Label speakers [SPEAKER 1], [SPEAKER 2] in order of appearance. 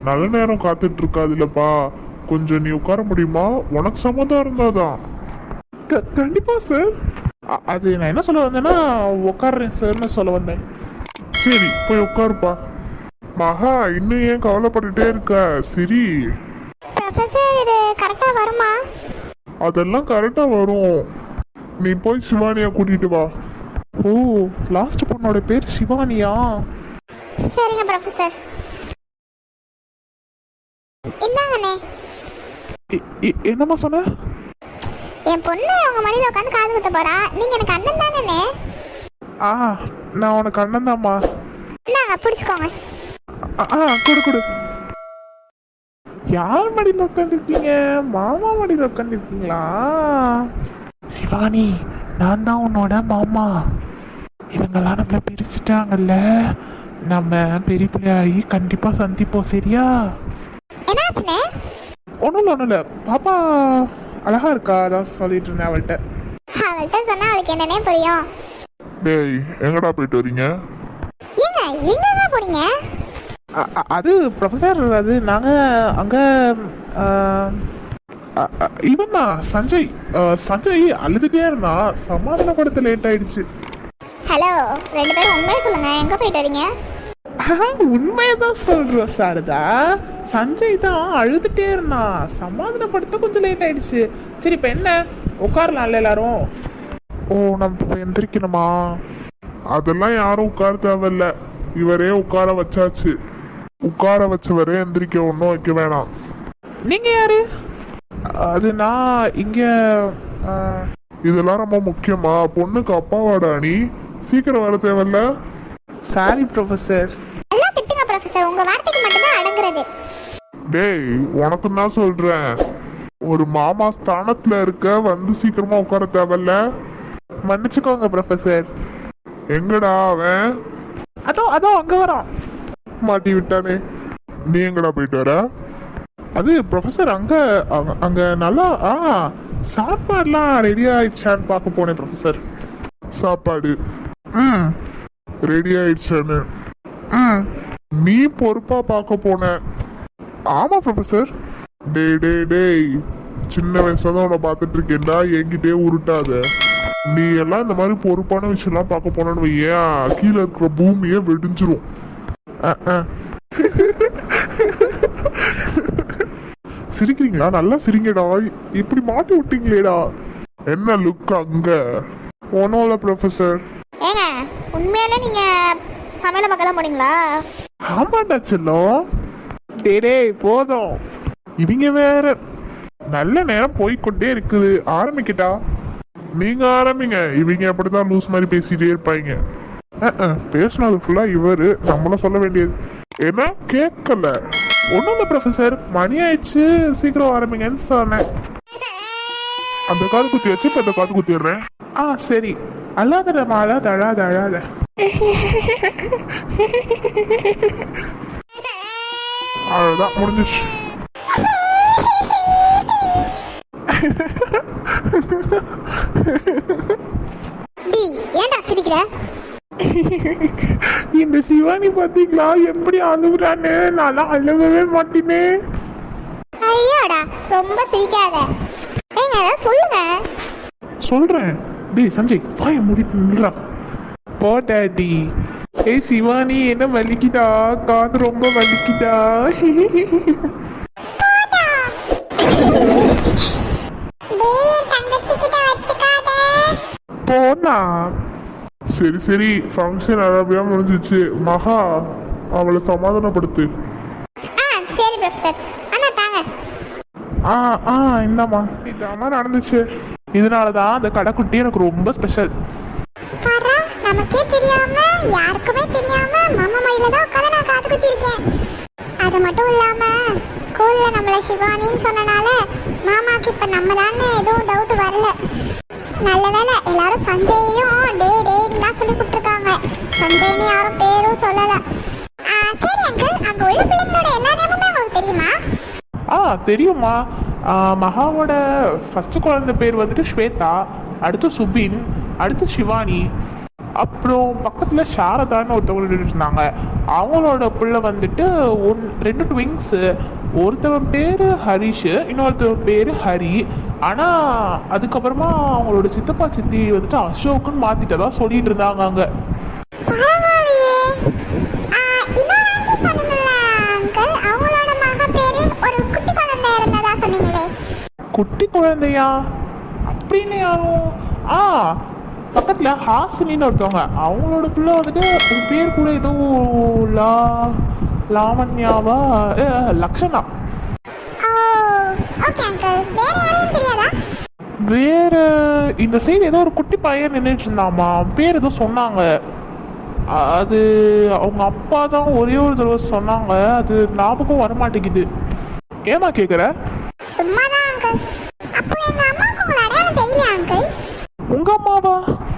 [SPEAKER 1] நல்ல நேரம் காத்துட்டு இருக்காதுல்லப்பா. கொஞ்சம் நீ உட்கார முடியுமா? உனக்கு சம்மதம் இருந்தாதான்.
[SPEAKER 2] கண்டிப்பா சார். அது நான் என்ன சொல்ல வந்தேன்னா உட்காடுறேன் சார்னு சொல்ல வந்தேன்.
[SPEAKER 1] சரி போய் உட்காருப்பா. மகா இன்னும் ஏன் கவலைப்பட்டுட்டே இருக்க? சரி
[SPEAKER 3] ப்ரொஃபசர் இது கரெக்டா வருமா?
[SPEAKER 1] அதெல்லாம் கரெக்டா வரும். நீ போய் சிவானியா கூட்டிட்டு வா.
[SPEAKER 2] ஓ, லாஸ்ட் பொண்ணோட பேர் சிவானியா?
[SPEAKER 3] சரிங்க ப்ரொஃபசர். இந்தாங்கண்ணே.
[SPEAKER 2] என்னம்மா சொன்ன?
[SPEAKER 3] என் பொண்ணு உங்க மடியில உட்காந்து காது குத்த போறா. நீங்க எனக்கு அண்ணன் தானே?
[SPEAKER 2] ஆ, நான் உனக்கு அண்ணன் தான்மா.
[SPEAKER 3] இந்தாங்க பிடிச்சுக்கோங்க.
[SPEAKER 2] கொடு கொடு. யார் மடியில் உட்காந்துருக்கீங்க? மாமா மடியில் உட்காந்துருக்கீங்களா? சிவானி, நான் தான் உன்னோட மாமா. இவங்கெல்லாம் நம்மளை பிரிச்சுட்டாங்கல்ல, நம்ம பெரிய பிள்ளையாகி கண்டிப்பாக சந்திப்போம். சரியா?
[SPEAKER 3] என்னாச்சுண்ணே?
[SPEAKER 2] ஒன்றும் இல்லை. பாப்பா அழகா இருக்கா, அதான் சொல்லிட்டு இருந்தேன் அவள்கிட்ட.
[SPEAKER 3] அவள்கிட்ட சொன்னா அவளுக்கு என்னன்னே புரியும்.
[SPEAKER 1] டேய் எங்கடா போயிட்டு வரீங்க?
[SPEAKER 3] ஏங்க எங்க போறீங்க?
[SPEAKER 2] அது ப்ரொஃபஸர், அது நாங்கள் அங்கே இவன் தான் சஞ்சய். சஞ்சய் அழுதுகிட்டே இருந்தான், சமாதானப்படுத்த லேட் ஆயிடுச்சு.
[SPEAKER 3] ஹலோ, ரெண்டு பேரும் உண்மையை சொல்லுங்க, எங்க போயிட்டு வரீங்க?
[SPEAKER 2] உண்மையை தான் சொல்கிறோம் சாரதா. சஞ்சய் தான் அழுதுகிட்டே இருந்தான், சமாதானப்படுத்த கொஞ்சம் லேட் ஆயிடுச்சு. சரி இப்போ என்ன, உட்காரலாம்ல எல்லாரும்?
[SPEAKER 1] ஓ நம்ம எந்திரிக்கணுமா? அதெல்லாம் யாரும் உட்கார தேவையில்ல. இவரே உட்கார வச்சாச்சு. உட்கார வச்சவரே எந்திரிக்க ஒன்றும் வைக்க வேணாம்.
[SPEAKER 2] நீங்கள் யாரு? அது நான் இங்கே.
[SPEAKER 1] இதெல்லாம் ரொம்ப முக்கியமா? பொண்ணுக்கு அப்பாவோட அணி சீக்கிரம் வர தேவையில்ல.
[SPEAKER 2] Sorry professor.
[SPEAKER 3] எல்லாம் திட்டுங்க ப்ரொஃபசர், உங்க வார்த்தைக்கு மட்டும்தான் அடங்குறது.
[SPEAKER 1] டேய் உனக்கு தான் சொல்றேன், ஒரு மாமா ஸ்தானத்துல இருக்க, வந்து சீக்கிரமா உட்கார தேவையில்ல.
[SPEAKER 2] மன்னிச்சுக்கோங்க ப்ரொஃபஸர்.
[SPEAKER 1] எங்கடா அவன்?
[SPEAKER 2] அதோ அங்கே வரான்.
[SPEAKER 1] மாட்டி விட்டானே. நீ எங்கடா போயிட்டு வர?
[SPEAKER 2] அது ப்ரொஃபஸர் அங்கே நல்லா சாப்பாடுலாம் ரெடி ஆயிடுச்சான்னு பார்க்க போனேன் ப்ரொஃபஸர்.
[SPEAKER 1] சாப்பாடு
[SPEAKER 2] ம்
[SPEAKER 1] ரெடி ஆயிடுச்சான்னு
[SPEAKER 2] ம்
[SPEAKER 1] நீ பொறுப்பா பார்க்க போன?
[SPEAKER 2] ஆமாம் ப்ரொஃபஸர்.
[SPEAKER 1] டேய் டேய் டேய், சின்ன வயசுல தான் உன்னை பார்த்துட்டு இருக்கேன்டா, என்கிட்டயே உருட்டாத. நீ எல்லாம் இந்த மாதிரி பொறுப்பான விஷயம்லாம் பார்க்க போனேன்னு வையேன், கீழே இருக்கிற பூமியே வெடிஞ்சிரும்.
[SPEAKER 2] சிரிக்கிறீங்களா? நல்லா சிரிங்கடா. இப்படி மாட்டி விட்டீங்களேடா.
[SPEAKER 1] என்ன லுக் அங்க?
[SPEAKER 2] ஒன்றும் இல்லை ப்ரொஃபஸர்.
[SPEAKER 3] ஏங்க உண்மையாலே நீங்க சமையல பக்கம் போனீங்களா?
[SPEAKER 2] ஆமாண்டா செல்லம். டேய் போதும், இவங்க வேற. நல்ல நேரம் போய்கொண்டே இருக்குது, ஆரம்பிக்கிட்டா?
[SPEAKER 1] நீங்க ஆரம்பிங்க. இவங்க அப்படிதான் லூஸ் மாதிரி பேசிட்டே இருப்பாங்க.
[SPEAKER 2] பேசினது ஃபுல்லா இவரு, நம்மளும் சொல்ல வேண்டியது.
[SPEAKER 1] என்ன கேட்கல?
[SPEAKER 2] ஒன்றும் இல்லை ப்ரொஃபஸர், மணி ஆயிடுச்சு, சீக்கிரம் ஆரம்பிங்கன்னு சொன்னேன்.
[SPEAKER 1] அந்த காது குத்தி வச்சு இப்ப இந்த காது குத்திடுறேன்.
[SPEAKER 2] சரி. அல்லாத மாலா தழாத அழாத.
[SPEAKER 1] அவ்வளவுதான் முடிஞ்சிச்சு.
[SPEAKER 3] டி ஏன்டா சிரிக்கிற?
[SPEAKER 2] இந்த சிவானி பாத்தீங்களா எப்படி அழுகுறான்னு? நான் அழுகவே மாட்டேனே.
[SPEAKER 3] ஐயோடா ரொம்ப சிரிக்காத. ஏங்க ஏதாவது சொல்லுங்க.
[SPEAKER 2] சொல்றேன். டேய் சஞ்சய், வாய மூடிட்டு நில்றா. போட்டாடி. ஏய் சிவானி, என்ன வலிக்குதா? காது ரொம்ப வலிக்குதா? போனா.
[SPEAKER 1] சரி சரி, ஃபங்க்ஷன் அரபியா முடிஞ்சிச்சு. மகா அவளை சமாதானப்படுத்து.
[SPEAKER 3] சரி ப்ரொஃபசர். அண்ணா தாங்க.
[SPEAKER 2] இந்தாம்மா. இதாம்மா நடந்துச்சு. இதனாலதான் அந்த கடைக்குட்டி எனக்கு ரொம்ப ஸ்பெஷல்.
[SPEAKER 3] பாரா, நமக்கே தெரியாம, யாருக்குமே தெரியாம மாமா மடியில தான் உட்கார்ந்து நான் காது குத்தி இருக்கேன். அது மட்டும் இல்லாம ஸ்கூல்ல நம்மள சிவானின்னு சொன்னனால மாமாக்கு இப்ப நம்ம தானே எதுவும் டவுட் வரல. நல்ல வேளை எல்லாரும் சஞ்சயையும் டே டேன்னு தான் சொல்லி கூப்பிட்டுருக்காங்க. சஞ்சய்னு யாரும் பேரும் சொல்லல. சரி அங்கிள், அங்க உள்ள பிள்ளைங்களோட எல்லா நேமுமே உங்களுக்கு தெரியுமா?
[SPEAKER 2] தெரியுமா. மகாவோட ஃபர்ஸ்ட் குழந்தை பேர் வந்துட்டு ஸ்வேதா, அடுத்து சுபின், அடுத்து சிவானி, அப்புறம் பக்கத்தில் சாரதான்னு ஒருத்தவங்க நின்றுட்டு இருந்தாங்க. அவங்களோட பிள்ளை வந்துட்டு ரெண்டு ட்விங்ஸு. ஒருத்தவன் பேர் ஹரிஷ், இன்னொருத்தவன் பேர் ஹரி. ஆனால் அதுக்கப்புறமா அவங்களோட சித்தப்பா சித்தி வந்துட்டு அசோக்குன்னு மாற்றிட்டதா சொல்லிட்டு இருந்தாங்க அங்கே.
[SPEAKER 3] பரவாயில்லையே. இன்னொரு ஆண்டி சொன்னீங்கல்ல அங்கிள், அவங்களோட மக பேரு ஒரு குட்டி குழந்தை இருந்ததா சொன்னீங்களே.
[SPEAKER 2] குட்டி குழந்தையா? அப்படின்னு யாரும்? பக்கத்தில் ஹாசினின்னு ஒருத்தவங்க, அவங்களோட பிள்ளை வந்துட்டு அது பேர் கூட ஏதோ லாவண்யாவா லக்ஷனா.
[SPEAKER 3] ஓகே அங்கிள், வேற யாரையும் தெரியாதா?
[SPEAKER 2] வேற இந்த சைடு ஏதோ ஒரு குட்டி பையன் நின்றுட்டு இருந்தாமா, பேர் ஏதோ சொன்னாங்க. அது அவங்க அப்பா தான் ஒரே ஒரு தடவை சொன்னாங்க, அது ஞாபகம் வர மாட்டேங்குது. ஏமா கேட்குற?
[SPEAKER 3] சும்மாதான் அங்கிள். அப்போ எங்க அம்மாவுக்கு உங்களை அடையாளம் தெரியல அங்கிள்.
[SPEAKER 2] உங்க அம்மாவா?